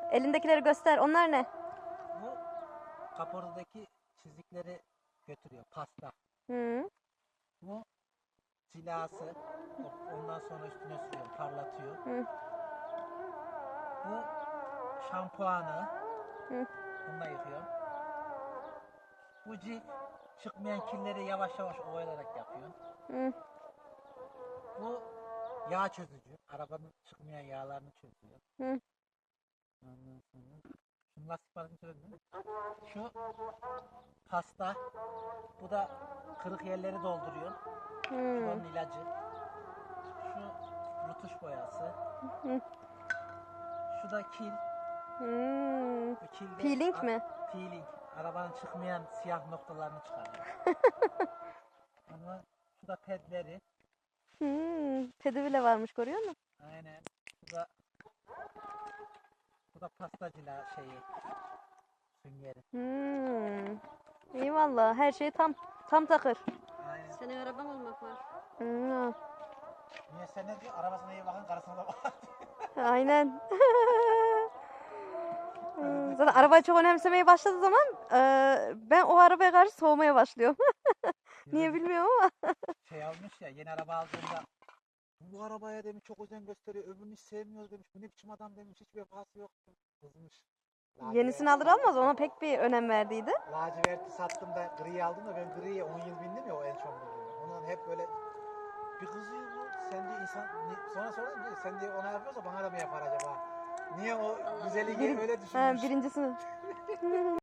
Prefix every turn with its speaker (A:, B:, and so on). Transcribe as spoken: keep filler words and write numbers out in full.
A: Elindekileri göster. Onlar ne?
B: Bu kaportadaki çizikleri götürüyor. Pasta.
A: Hı.
B: Bu cilası. Ondan sonra üstüne sürüyor. Parlatıyor.
A: Hı.
B: Bu şampuanı.
A: Hı.
B: Bununla yıkıyor. Bu cif çıkmayan kirleri yavaş yavaş ovalayarak yapıyor.
A: Hı.
B: Bu yağ çözücü. Arabanın çıkmayan yağlarını çözüyor.
A: Hı.
B: Ondan sonra şu lastik parçasını söyledin mi? Şu pasta. Bu da kırık yerleri dolduruyor. Şu da
A: Hı.
B: onun ilacı. Şu rutuş boyası.
A: Hı.
B: Şu da kil.
A: Hı.
B: Bu kilde
A: Peeling mi?
B: Peeling. Arabanın çıkmayan siyah noktalarını çıkarıyor. Ama şu da pedleri.
A: Hı. Pedi bile varmış, görüyor musun?
B: Aynen. Bu da bu da pastacılar şeyi. Süngeri.
A: Hmm. İyi valla, her şey tam tam takır.
B: Aynen.
C: Senin araban olmak var.
A: Hmm.
B: Niye sen ne diyor? Arabasına iyi bakın, karısına da bakın.
A: Aynen. Hmm, zaten arabayı çok önemsemeye başladığı zaman e, ben o arabaya karşı soğumaya başlıyorum. Niye bilmiyorum ama.
B: Şey almış ya, yeni araba aldığında bu arabaya demiş çok özen gösteriyor, öbürünü hiç sevmiyor demiş. Bu ne biçim adam demiş, hiçbir vefası yok. Kızmış.
A: Yenisini alır almaz ona pek bir önem verdiydi.
B: Laciverti sattım da griyi aldım da ben griye on yıl bindim ya o en son bindim. Ondan hep böyle bir kızıyor bu. Sen diye insan ni- sonra sonra diyor sen diye ona yapıyorsa bana da mı yapar acaba? Niye o güzeli
A: Bir-
B: öyle
A: Ha,
B: düşünmüş?
A: birincisini.